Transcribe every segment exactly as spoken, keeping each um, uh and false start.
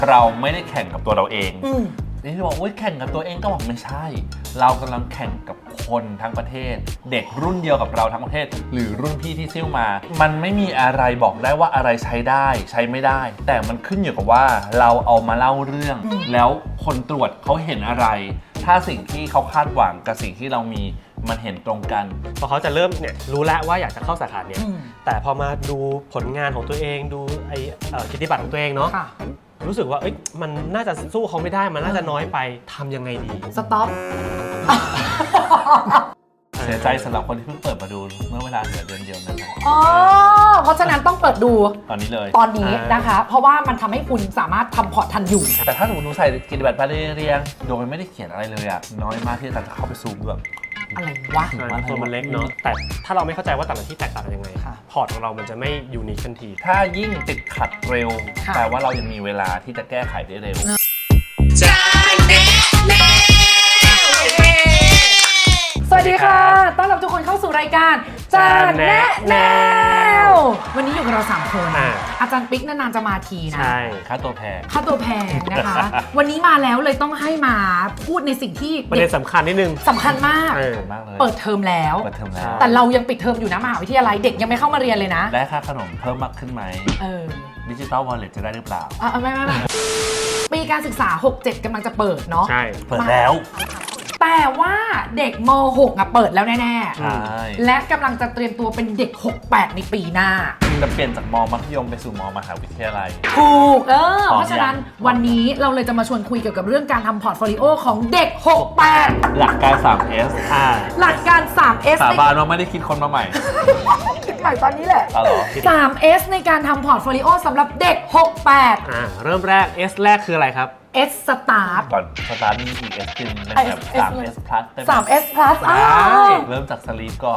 เราไม่ได้แข่งกับตัวเราเองนี่ที่บอกว่าแข่งกับตัวเองก็บอกไม่ใช่เรากำลังแข่งกับคนทั้งประเทศเด็กรุ่นเดียวกับเราทั้งประเทศหรือรุ่นพี่ที่ซิ่วมามันไม่มีอะไรบอกได้ว่าอะไรใช้ได้ใช้ไม่ได้แต่มันขึ้นอยู่กับว่าเราเอามาเล่าเรื่องแล้วคนตรวจเขาเห็นอะไรถ้าสิ่งที่เขาคาดหวังกับสิ่งที่เรามีมันเห็นตรงกันพอเขาจะเริ่มเนี่ยรู้แล้วว่าอยากจะเข้าสาขาเนี้ยแต่พอมาดูผลงานของตัวเองดูไอ้กิตติบัตรของตัวเองเนาะรู้สึกว่าเอ้ยมันน่าจะสู้เขาไม่ได้มันน่าจะน้อยไปทำยังไงดีสต็อปเสียใจสำหรับคนที่เพิ่งเปิดมาดูเมื่อเวลาเหลือเดือนเดียวนะครับอ๋อเพราะฉะนั้นต้องเปิดดูตอนนี้เลยตอนนี้นะคะเพราะว่ามันทำให้คุณสามารถทำพอร์ตทันอยู่แต่ถ้าสมมติหนูใส่กิตติบัตรไปเรียงโดยไม่ได้เขียนอะไรเลยอะน้อยมากที่จะเข้าไปซูมแบบอะไรวะตัวมันเล็กเนาะแต่ถ้าเราไม่เข้าใจว่าแต่ละที่แตกต่างกันยังไงพอร์ตของเรามันจะไม่ยูนิคทันทีถ้ายิ่งติดขัดเร็วแปลว่าเรายังมีเวลาที่จะแก้ไขได้เร็วสวัสดีค่ะต้อนรับทุกคนเข้าสู่รายการจานแนะแนววันนี้อยู่กับเราสามคนอาจารย์ปิ๊กนานๆจะมาทีนะใช่ค่าตัวแพงค่าตัวแพงนะคะวันนี้มาแล้วเลยต้องให้มาพูดในสิ่งที่ประเด็นสำคัญนิดนึงสำคัญมากเปิดเทอมแล้วแต่เรายังปิดเทอมอยู่นะมหาวิทยาลัยเด็กยังไม่เข้ามาเรียนเลยนะได้ค่าขนมเพิ่มมากขึ้นไหมเออดิจิตอลวอลเล็ตจะได้หรือเปล่าอ่ะไม่ไม่ไม่ปีการศึกษา หกเจ็ด กำลังจะเปิดเนาะใช่เปิดแล้วแต่ว่าเด็กม หก อ่ะเปิดแล้วแน่ๆและกำลังจะเตรียมตัวเป็นเด็ก หก แปด ในปีหน้าจะเปลี่ยนจากมมัธยมไปสู่มมหาวิทยาลัยถูกเออเพราะฉะนั้นวันนี้เราเลยจะมาชวนคุยเกี่ยวกับเรื่องการทำพอร์ตโฟลิโอของเด็ก หก แปดหลักการ สาม เอสหลักการ สาม เอสสาบานว่าไม่ได้คิดคนมาใหม่คิดใหม่ตอนนี้แหละสาม เอส ในการทำพอร์ตโฟลิโอสำหรับเด็ก หก แปดอ่าเริ่มแรก S แรกคืออะไรครับ S Start ก่อน Start มีอีก S ขึ้นเป็นแบบ สาม เอส Plus สาม เอส Plus อ่าเริ่มจาก Sleep ก่อน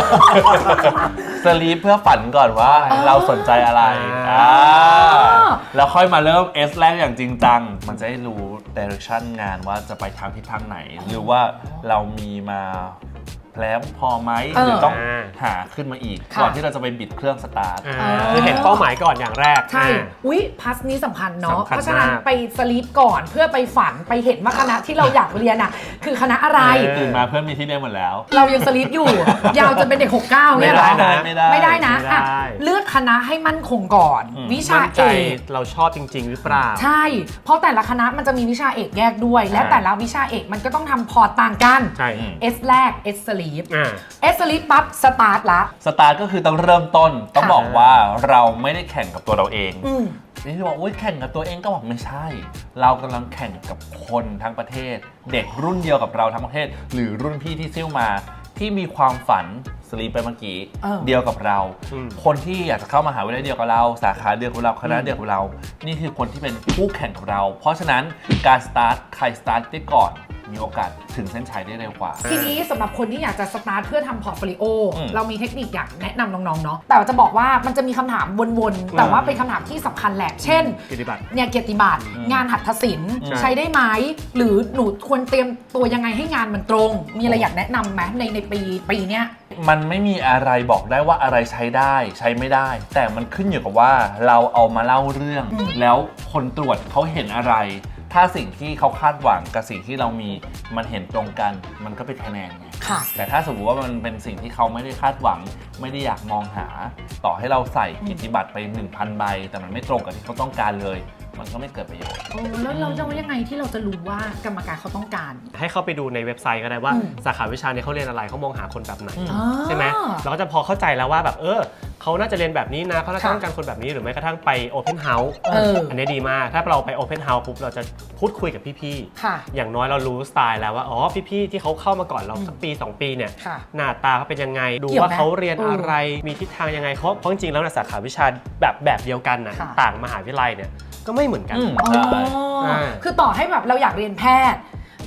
Sleep เพื่อฝันก่อนว่าเราสนใจอะไรอ่าแล้วค่อยมาเริ่ม S แรกอย่างจริงจังมันจะได้รู้ Direction งานว่าจะไปทางทิศทางไหนหรือว่าเรามีมาแล้วพอไหมหรือต้องหาขึ้นมาอีกก่อนที่เราจะไปบิดเครื่องสตาร์ทคือเห็นเป้าหมายก่อนอย่างแรกใช่อุ๊ยพัสนี้สำคัญเนาะเพราะฉะนั้นไปสลีปก่อนเพื่อไปฝันไปเห็นว่าคณะที่เราอยากเรียนอ่ะคือคณะอะไรตื่นมาเพื่อนมีที่เรียนหมดแล้วเรายังสลีปอยู่ยาวจะเป็นเด็กหกเก้าเนี่ยหรอไม่ได้ไม่ได้นะเลือกคณะให้มั่นคงก่อนวิชาเอกเราชอบจริงๆหรือเปล่าใช่เพราะแต่ละคณะมันจะมีวิชาเอกแยกด้วยและแต่ละวิชาเอกมันก็ต้องทำพอร์ตต่างกัน S แรก S สลีปเอสลิปปั๊บสตาร์ทละสตาร์ทก็คือต้องเริ่มต้นต้องบอกว่าเราไม่ได้แข่งกับตัวเราเองนี่ที่บอกว่าแข่งกับตัวเองก็บอกไม่ใช่เรากำลังแข่งกับคนทั้งประเทศเด็กรุ่นเดียวกับเราทั้งประเทศหรือรุ่นพี่ที่ซิ่วมาที่มีความฝันสลีปไปเมื่อกี้เดียวกับเราคนที่อยากจะเข้ามหาวิทยาลัยเดียวกับเราสาขาเดียวกับเราคณะเดียวกับเรานี่คือคนที่เป็นคู่แข่งกับเราเพราะฉะนั้นการสตาร์ทใครสตาร์ทได้ก่อนมีโอกาสถึงเส้นชัยได้เร็วกว่าทีนี้สำหรับคนที่อยากจะสตาร์ทเพื่อทำพอร์ตโฟลิโอเรามีเทคนิคอยากแนะนำน้องๆเนาะแต่จะบอกว่ามันจะมีคำถามวนๆแต่ว่าเป็นคำถามที่สำคัญแหละเช่นเนี่ยเกียรติบัตรงานหัตถศิลป์ใช้ได้ไหมหรือหนูควรเตรียมตัวยังไงให้งานมันตรงมีอะไรอยากแนะนำไหมในในปีปีเนี้ยมันไม่มีอะไรบอกได้ว่าอะไรใช้ได้ใช้ไม่ได้แต่มันขึ้นอยู่กับว่าเราเอามาเล่าเรื่องแล้วคนตรวจเขาเห็นอะไรถ้าสิ่งที่เขาคาดหวังกับสิ่งที่เรามีมันเห็นตรงกันมันก็เป็นคะแนนไงแต่ถ้าสมมติว่ามันเป็นสิ่งที่เขาไม่ได้คาดหวังไม่ได้อยากมองหาต่อให้เราใส่กิตติบัตรไป หนึ่งพัน ใบแต่มันไม่ตรงกับที่เขาต้องการเลยมันก็ไม่เกิดประโยชน์แล้วเราจะว่ายังไงที่เราจะรู้ว่ากรรมการเขาต้องการให้เข้าไปดูในเว็บไซต์ก็ได้ว่าสาขาวิชานี้เขาเรียนอะไรเขามองหาคนแบบไหนใช่ไหมเราก็จะพอเข้าใจแล้วว่าแบบเออเขาน่าจะเรียนแบบนี้นะเขาน่าจะต้องการคนแบบนี้หรือแม้กระทั่งไป Open House อันนี้ดีมากถ้าเราไป Open House ปุ๊บเราจะพูดคุยกับพี่ๆอย่างน้อยเรารู้สไตล์แล้วว่าอ๋อพี่ๆที่เขาเข้ามาก่อนเราสักปีสองปีเนี่ยหน้าตาเขาเป็นยังไงดูว่าเขาเรียนอะไรมีทิศทางยังไงเพราะเพราะจริงๆแล้วในสาขาวิชาแบบแบบเดียวกันนะต่างมหาวิทยาลัยเนี่ยก็ไม่เหมือนกันคือต่อให้แบบเราอยากเรียนแพทย์แพ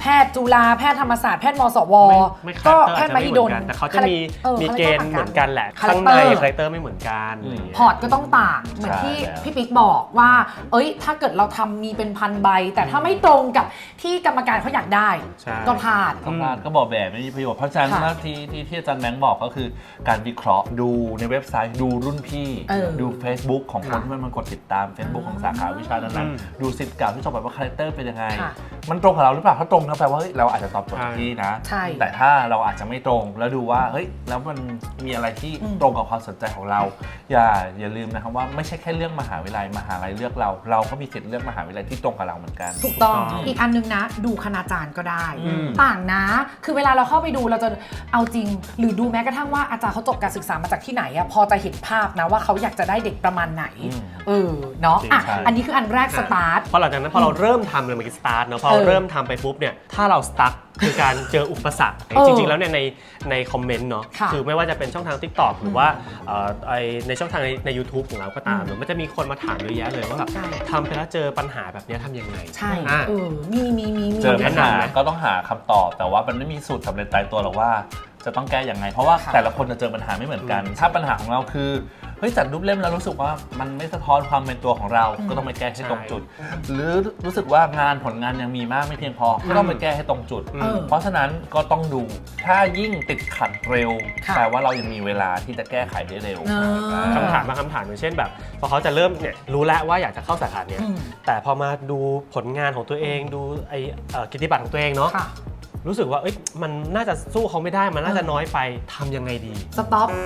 พทย์จุฬาแพทย์ธรรมศาสตร์แพทย์มศวไม่คาก็แรคเตอร์แพทย์มหิดลแต่เขาจะมีออมีเกณฑ์เหมือนกันแหละคาแรข้างคเตในอร์คาแรคเตอร์ไม่เหมือนกันอะไรอย่างเงี้ยพอร์ตก็ต้องต่างเหมือนที่ใช่พี่ปิ๊กบอกว่า เอ้ยถ้าเกิดเราทำมีเป็นพันใบ แต่ถ้าไม่ตรงกับที่กรรมการเขาอยากได้ใช่ก็พลาดก็พลาดก็บอกแบบไม่มีประโยชน์เพราะฉะนั้นค่ะที่ที่ที่อาจารย์แบงค์บอกก็คือการวิเคราะห์ดูในเว็บไซต์ดูรุ่นพี่เออดู Facebook ของคนค่ะที่มันมากดติดตาม Facebook ของสาขาวิชานั้นอืมๆดูสิทธิ์เก่าที่จบแบบว่าคาแรคเตอร์เป็นยังไงค่ะมันตรงกับเราหรือเปล่าถ้าตรงก็แปลว่าเฮ้ยเราอาจจะตอบโจทย์ที่นะใช่แต่ถ้าเราอาจจะไม่ตรงแล้วดูว่าเฮ้ยแล้วมันมีอะไรที่อืมตรงกับความสนใจของเรา อย่าอย่าลืมนะครับว่าไม่ใช่แค่เรื่องมหาวิทยาลัยมหาลัยเลือกเรา เราก็มีสิทธิ์เลือกมหาวิทยาลัยที่ตรงกับเราเหมือนกันถูกต้องถูกต้องอีกอันนึงนะ ดูคณาจารย์ก็ได้อืมต่างนะ คือเวลาเราเข้าไปดูเราจะเอาจริง หรือดูแม้กระทั่งว่าอาจารย์เขาจบการศึกษามาจากที่ไหนอะพอจะเห็นภาพนะว่าเขาอยากจะได้เด็กประมาณไหนอืมเออเนาะจริงอ่ะใช่อันนี้คืออันแรกสตาร์ทพอหลังจากนั้นพอเราเริ่มทำเลยเมื่อกี้สตาร์ทเนาะพอเออเราเริ่มทำไปปุ๊บเนี่ยถ้าเราสตั๊กคือการเจออุปสรรคเออจริงๆแล้วเนี่ยในในคอมเมนต์เนาะค่ะคือไม่ว่าจะเป็นช่องทาง TikTok หรือว่าเอ่อไอ้ในช่องทางในใน YouTube ของเราก็ตามอืมเนอะมันจะมีคนมาถามเยอะแยะเลยว่าแบบใช่ทำไปแล้วเจอปัญหาแบบเนี้ยทำยังไงใช่อ่ะเออมีมีมีมีเจอปัญหาแนะนำไหมก็ต้องหาคำตอบ แต่ว่ามันไม่มีสูตรสำเร็จตายตัวหรอกว่าจะต้องแก้อย่างไง เพราะว่าค่ะแต่ละคนจะเจอปัญหาไม่เหมือนกัน ถ้าปัญหาของเราคือเฮ้ยจัดรูปเล่มแล้วรู้สึกว่ามันไม่สะท้อนความเป็นตัวของเรา ก็ต้องไปแก้ให้ตรงจุด หรือรู้สึกว่างานผลงานยังมีมากไม่เพียงพอ ก็ต้องไปแก้ให้ตรงจุดเออเพราะฉะนั้นก็ต้องดูถ้ายิ่งติดขัดเร็วค่ะแปลว่าเรายังมีเวลาที่จะแก้ไขได้เร็วเออคำถามบางคำถามอย่างเช่นแบบพอเขาจะเริ่มเนี่ยรู้แล้วว่าอยากจะเข้าสาขาเนี้ยอืมแต่พอมาดูผลงานของตัวเองดูไอ้เอ่อกิตติบัตรของตัวเองเนาะค่ะรู้สึกว่าเอ้ยมันน่าจะสู้เขาไม่ได้มันน่าจะน้อยไปทำยังไงดีสต็อป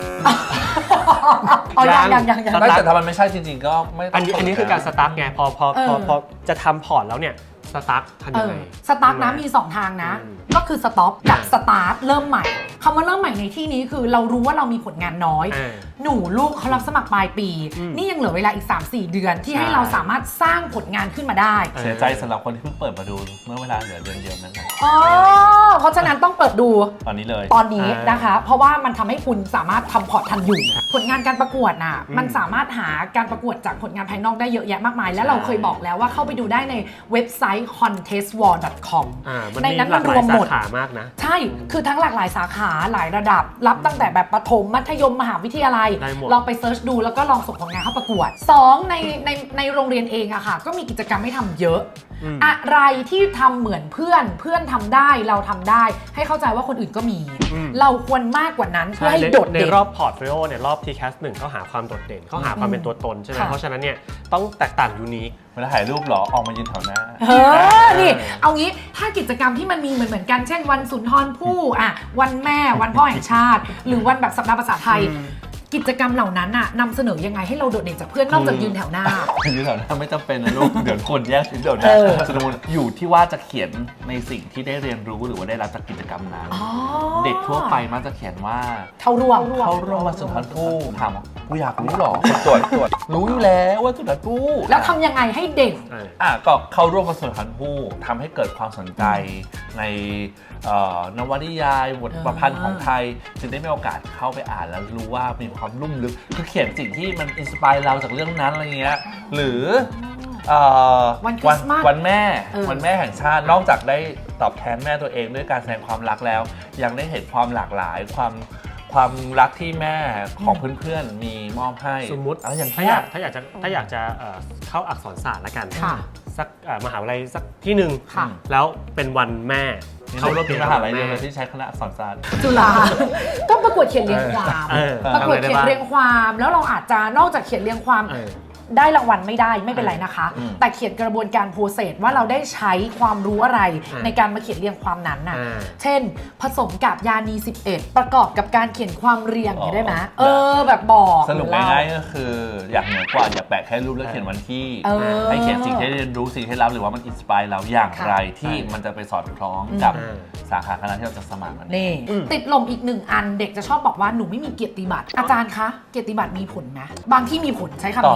เอายังยังยังยังไม่แต่ถ้ามันไม่ใช่จริงๆก็ไม่ต้อัอน งนี้อันนี้คือการสตาร์ทไงพอพอพอเออพอจะทำพอร์ตแล้วเนี่ยสตาร์ททำเอยังอไงสตาร์ทนะมี สอง ทางนะอืมก็คือสต็อปกับสตาร์ทเริ่มใหม่คำว่าเริ่มใหม่ในที่นี้คือเรารู้ว่าเรามีผลงานน้อยอ่าหนูลูกเขารับสมัครปลายปีอืมนี่ยังเหลือเวลาอีก สามสี่ เดือนที่ให้ใช่เราสามารถสร้างผลงานขึ้นมาได้เสียใจสำหรับคนที่เพิ่งเปิดมาดูเมื่อเวลาเหลือเดือนเดียวนั้นนะอ๋อ เพราะฉะนั้นต้องเปิดดูตอนนี้เลยตอนนี้อ่านนะคะ เพราะว่ามันทำให้คุณสามารถทำพอร์ตทันอยู่ ผลงานการประกวดน่ะอืมมันสามารถหาการประกวดจากผลงานภายนอกได้เยอะแยะมากมาย และใช่เราเคยบอกแล้วว่าเข้าไปดูได้ในเว็บไซต์ คอนเทสต์วอล ดอท คอมอ่ามันในมีนั้นหลากหมันรลายวมสาหมดขามากนะใช่ คือทั้งหลากหลายสาขาหลายระดับ รับตั้งแต่แบบประถม มัธยม มหาวิทยาลัยได้หมดลองไปเซิร์ชดูแล้วก็ลองส่งผลงานเข้าประกวด สอง ในในในโรงเรียนเองอะค่ะ ก็มีกิจกรรมให้ทำเยอะอืมอะไรที่ทำเหมือนเพื่อน เพื่อนทำได้ เราทำได้ ให้เข้าใจว่าคนอื่นก็มีอืมเราควรมากกว่านั้นเพื่อใช่ให้ในโดดในเด่นรอบพอร์ตโฟลิโอเนี่ยรอบ ที แคส หนึ่งเขาหาความโดดเด่นเขาหาความเป็นตัวตนใช่ไหมค่ะเพราะฉะนั้นเนี่ยต้องแตกต่างยูนิคเวลาถ่ายรูปเหรอ ออกมายืนแถวหน้าเฮ้อนี่ เอางี้ ถ้ากิจกรรมที่มันมีเหมือนเหมือนกัน เช่นวันสุนทรภู่อ่ะ วันแม่ วันพ่อแห่งชาติ หรือวันแบบสัปดาห์ภาษาไทยอืมกิจกรรมเหล่านั้นน่ะนำเสนอยังไงให้เราโดดเด่นจากเพื่อนนอกจากยืนแถวหน้ายืนแถวหน้าไม่จำเป็นนะลูก เดี๋ยวคนแย่งชิ้นเดี๋ยวนะเออสมมติอยู่ที่ว่าจะเขียนในสิ่งที่ได้เรียนรู้หรือว่าได้รับจากกิจกรรมนั้นอ๋อเด็กทั่วไปมักจะเขียนว่าเข้าร่วมเข้าร่วมวันสุนทรภู่ถามว่ากูอยากรู้หรอคนตรวจตรวจรู้อยู่แล้วว่าสุนทรภู่แล้วทำยังไงให้เด่นเอออ่ะก็เข้าร่วมวันสุนทรภู่ทำให้เกิดความสนใจในเอ่อนวนิยายบทประพันธ์ของไทยจึงได้มีโอกาสเข้าไปอ่านแล้วรู้ว่ามีความลุ่มลึกคือเขียนสิ่งที่มันอินสปายเราจากเรื่องนั้นอะไรเงี้ยหรือเอ่อวันคริสต์มาสวันแม่เออวันแม่แห่งชาตินอกจากได้ตอบแทนแม่ตัวเองด้วยการแสดงความรักแล้ว ยังได้เห็นความหลากหลายความความรักที่แม่ของเพื่อนๆมีมอบให้สมมุติอะไรอย่างถ้าเงี้อย ยากถ้าอยากจะถ้าอยากจะเอ่อเข้าอักษรศาสตร์ละกันค่ะสักเอ่อมหาวิทยาลัยสักที่หนึ่งค่ะแล้วเป็นวันแม่เขาร่วมกิเป็นจมกรรหาลัยเดียวแม่เลยที่ใช้คณะอักษรศาสตร์จุฬา ก็ประกวดเขียนเรียงความเออประกวดทำอะไรได้เขียนบ้างเรียงความ แล้วเราอาจจะนอกจากเขียนเรียงความเออได้รางวัลไม่ได้ไม่เป็นไรนะคะอืมแต่เขียนกระบวนการโปรเซสว่าเราได้ใช้ความรู้อะไรอ่าในการมาเขียนเรียงความนั้นน่ะอ่าเช่น ผสมกับยานี สิบเอ็ด ประกอบกับการเขียนความเรียงอย่างนี้ได้ไหมเออแบบบอกสรุปง่ายๆก็คือ อยากเหนือกว่าอย่าแปะแค่รูปแล้วเขียนวันที่เออให้เขียนสิ่งที่ได้เรียนรู้สิ่งที่รับหรือว่ามันอินสปายเราอย่างไรที่มันจะไปสอดคล้องกับอืมสาขาคณะที่เราจะสมัครนั่นเองนี่อืมติดลมอีกหนึ่งอันเด็กจะชอบบอกว่าหนูไม่มีเกียรติบัตรอาจารย์คะเกียรติบัตรมีผลนะบางที่มีผลใช้ตอบคำนี้ตอบย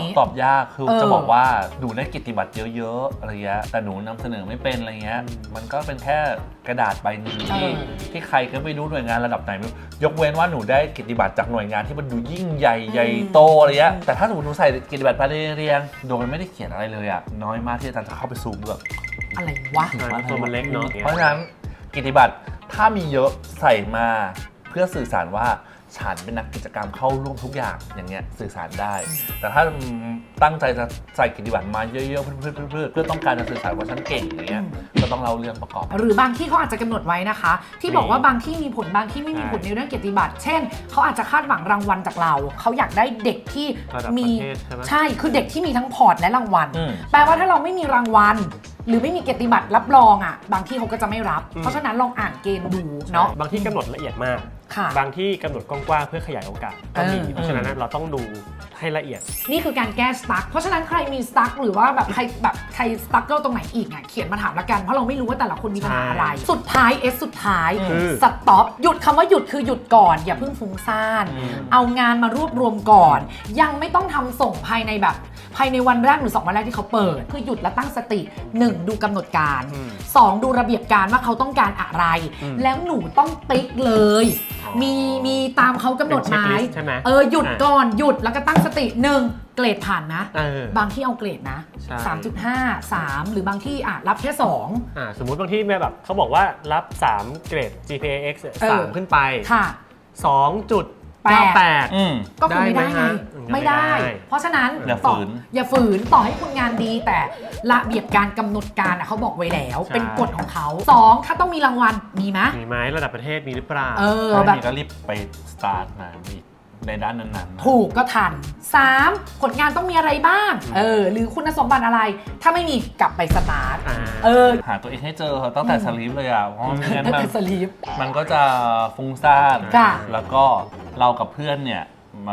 ยากคือเออจะบอกว่าหนูได้เกียรติบัตรเยอะๆอะไรเงี้ยแต่หนูนำเสนอไม่เป็นอะไรเงี้ยมันก็เป็นแค่กระดาษใบหนึ่งที่ที่ใครก็ไม่รู้หน่วยงานระดับไหนไม่รู้ยกเว้นว่าหนูได้เกียรติบัตรจากหน่วยงานที่มันดูยิ่งใหญ่ใหญ่โตอะไรเงี้ยแต่ถ้าสมมติหนูใส่เกียรติบัตรไปเรียงๆโดยมันไม่ได้เขียนอะไรเลยอ่ะน้อยมากที่อาจารย์จะเข้าไปซูมแบบอะไรวะตัวมันเล็กเนาะเพราะฉะนั้นเกียรติบัตรถ้ามีเยอะใส่มาเพื่อสื่อสารว่าฉันเป็นนักกิจกรรมเข้าร่วมทุกอย่างอย่างเงี้ยสื่อสารได้ แต่ถ้าตั้งใจจะใส่เกียรติบัตรมาเยอะๆเพื่อๆเพื่อต้องการจะสื่อสารว่าฉันเก่งอย่างเงี้ยก็ต้องเล่าเรื่องประกอบหรือบางที่เขาอาจจะกำหนดไว้นะคะ ที่บอกว่าบางที่มีผลบางที่ไม่มีผลในเรื่องเกียรติบัตรเช่นเขาอาจจะคาดหวังรางวัลจากเราเขาอยากได้เด็กที่มีใช่คือเด็กที่มีทั้งพอร์ตและรางวัลแปลว่าถ้าเราไม่มีรางวัลหรือไม่มีเกียรติบัตรรับรองอ่ะบางที่เขาก็จะไม่รับเพราะฉะนั้นลองอ่านเกณฑ์ดูเนาะบางที่กำหนดละเอียดมากค่ะบางที่กำหนดกว้างๆเพื่อขยายโอกาสก็มีเพราะฉะนั้นเราต้องดูให้ละเอียดนี่คือการแก้สตั๊กเพราะฉะนั้นใครมีสตั๊กหรือว่าแบบใครแบบใครสตั๊กเกิลตรงไหนอีกอ่ะเขียนมาถามละกันเพราะเราไม่รู้ว่าแต่ละคนมีปัญหาอะไรสุดท้ายเอสสุดท้ายสต็อปหยุดคำว่าหยุดคือหยุดก่อนอย่าเพิ่งฟุ้งซ่านเอางานมารวบรวมก่อนยังไม่ต้องทำส่งภายในแบบภายในวันแรกหรือสองวันแรกที่เขาเปิดคือหยุดและตั้งสติหนึ่งดูกำหนดการสองดูระเบียบการว่าเขาต้องการอะไรแล้วหนูต้องติ๊กเลยมีมีตามเขากำหนดไหมเออหยุดก่อนหยุดแล้วก็ตั้งสติหนึ่งเกรดผ่านนะบางที่เอาเกรดนะ สามจุดห้า สาม หรือบางที่อ่ะรับแค่สองอ่าสมมุติบางที่แบบเขาบอกว่ารับสามเกรด จี พี เอ X สามขึ้นไปค่ะสองจุดแปดก็คือไม่ได้ไงไม่ได้ เพราะฉะนั้นอย่าฝืนอย่าฝืนต่อให้คุณงานดีแต่ระเบียบการกำหนดการเขาบอกไว้แล้วเป็นกฎของเขาสองถ้าต้องมีรางวัลมีไหมมีไหมระดับประเทศมีหรือเปล่าเออแบบก็รีบไปสตาร์ทมาในด้านนั้นๆถูกก็ทันสามผลงานต้องมีอะไรบ้างเออหรือคุณสมบัติอะไรถ้าไม่มีกลับไปสตาร์ทเออหาตัวเองให้เจอตั้งแต่สลีปเลยอ่ะเพราะไม่งั้นมันสลีปมันก็จะฟุ้งซ่านแล้วก็เรากับเพื่อนเนี่ย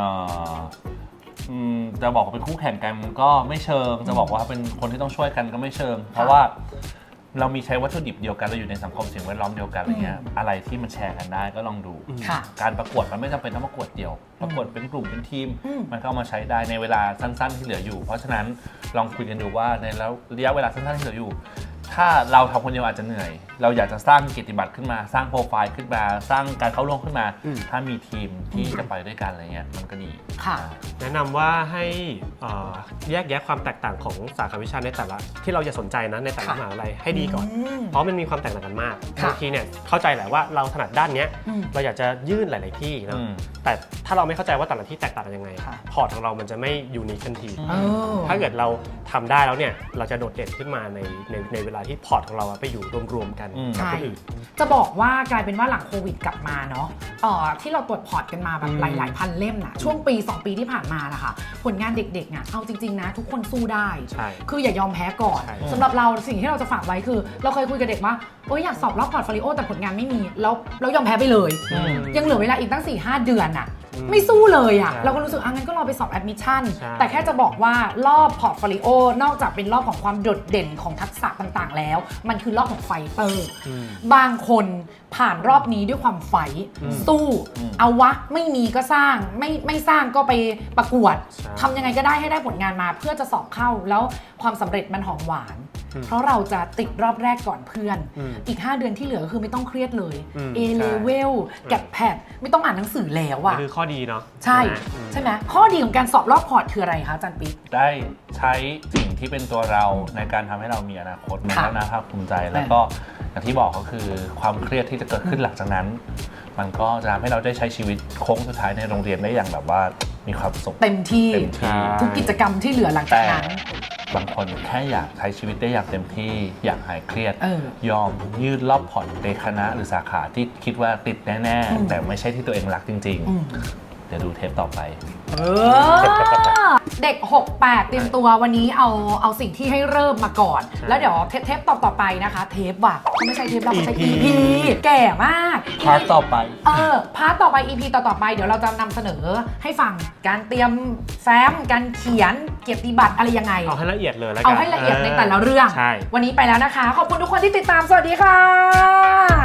จะบอกว่าเป็นคู่แข่งกันก็ไม่เชิงจะบอกว่าเป็นคนที่ต้องช่วยกันก็ไม่เชิงเพราะว่าเรามีใช้วัตถุดิบเดียวกันเราอยู่ในสังคมสิ่งแวดล้อมเดียวกันอะไรเงี้ยอะไรที่มันแชร์กันได้ก็ลองดูการประกวดมันไม่จำเป็นต้องประกวดเดียวประกวดเป็นกลุ่มเป็นทีมมันก็เอามาใช้ได้ในเวลาสั้นๆที่เหลืออยู่เพราะฉะนั้นลองคุยกันดูว่าในระยะเวลาสั้นๆที่เหลืออยู่ถ้าเราทำคนเดียวอาจจะเหนื่อยเราอยากจะสร้างเกียรติบัตรขึ้นมาสร้างโปรไฟล์ขึ้นมาสร้างการเข้าร่วมขึ้นมาถ้ามีทีมที่จะไปด้วยกันอะไรเงี้ยมันก็ดีแนะนำว่าให้แยกแยะความแตกต่างของสาขาวิชาในแต่ละที่เราจะสนใจนะในแต่ละมหาวิทยาลัยให้ดีก่อนเพราะมันมีความแตกต่างกันมากบางทีเนี่ยเข้าใจแหละว่าเราถนัดด้านนี้เราอยากจะยื่นหลาย ๆที่นะแต่ถ้าเราไม่เข้าใจว่าแต่ละที่แตกต่างกันยังไงพอร์ตของเรามันจะไม่ยูนิคทันทีถ้าเกิดเราทำได้แล้วเนี่ยเราจะโดดเด่นขึ้นมาในในในเวลาที่พอร์ตของเราไปอยู่รวมๆกันกับคนอื่นจะบอกว่ากลายเป็นว่าหลังโควิดกลับมาเนาะเอ่อที่เราตรวจพอร์ตกันมาแบบหลายๆพันเล่มน่ะช่วงปีสองปีที่ผ่านมานะคะผลงานเด็กๆอ่ะเอาจริงๆนะทุกคนสู้ได้คืออย่ายอมแพ้ก่อนสำหรับเราสิ่งที่เราจะฝากไว้คือเราเคยคุยกับเด็กว่าโอ๊ยอยากสอบรอบพอร์ตโฟลิโอแต่ผลงานไม่มีแล้วเรายอมแพ้ไปเลยยังเหลือเวลาอีกตั้ง สี่ห้า เดือนอ่ะไม่สู้เลยอ่ะเราก็รู้สึกอ่ะงั้นก็รอไปสอบแอดมิชชั่นแต่แค่จะบอกว่ารอบพอร์ตโฟลิโอนอกจากเป็นรอบของความโดดเด่นของทักษะต่างๆแล้วมันคือรอบของไฟเตอร์บางคนผ่านรอบนี้ด้วยความไฟสู้เอาวะไม่มีก็สร้างไม่ไม่สร้างก็ไปประกวดทำยังไงก็ได้ให้ได้ผลงานมาเพื่อจะสอบเข้าแล้วความสำเร็จมันหอมหวานเพราะเราจะติดรอบแรกก่อนเพื่อนอีกห้าเดือนที่เหลือคือไม่ต้องเครียดเลย A level แกดแพดไม่ต้องอ่านหนังสือแล้วอ่ะคือข้อดีเนาะใช่ใช่ไหมข้อดีของการสอบรอบพอร์ตคืออะไรคะอาจารย์ปิ๊กได้ใช้สิ่งที่เป็นตัวเราในการทำให้เรามีอนาคตมันก็น่าภาคภูมิใจแล้วก็อย่างที่บอกก็คือความเครียดที่จะเกิดขึ้นหลังจากนั้นมันก็จะทำให้เราได้ใช้ชีวิตโค้งสุดท้ายในโรงเรียนได้อย่างแบบว่ามีความสุขเต็มที่ทุกกิจกรรมที่เหลือหลังจากนั้นบางคนแค่อยากใช้ชีวิตได้อย่างเต็มที่อยากหายเครียดยอมยืดรอบพอร์ตในคณะหรือสาขาที่คิดว่าติดแน่ๆแต่ไม่ใช่ที่ตัวเองรักจริงๆเดี๋ยวดูเทปต่อไปเด็กหกแปดเตรียมตัววันนี้เอาเอาสิ่งที่ให้เริ่มมาก่อนแล้วเดี๋ยวเทปเทปต่อต่อไปนะคะเทปว่ะไม่ใช่เทปเราใช้ อี พี แก่มากพาร์ทต่อไปเออพาร์ทต่อไป อี พี ต่อต่อไปเดี๋ยวเราจะนำเสนอให้ฟังการเตรียมแฟ้มการเขียนเกียรติบัตรอะไรยังไงเอาให้ละเอียดเลยแล้วกันเอาให้ละเอียดในแต่ละเรื่องวันนี้ไปแล้วนะคะขอบคุณทุกคนที่ติดตามสวัสดีค่ะ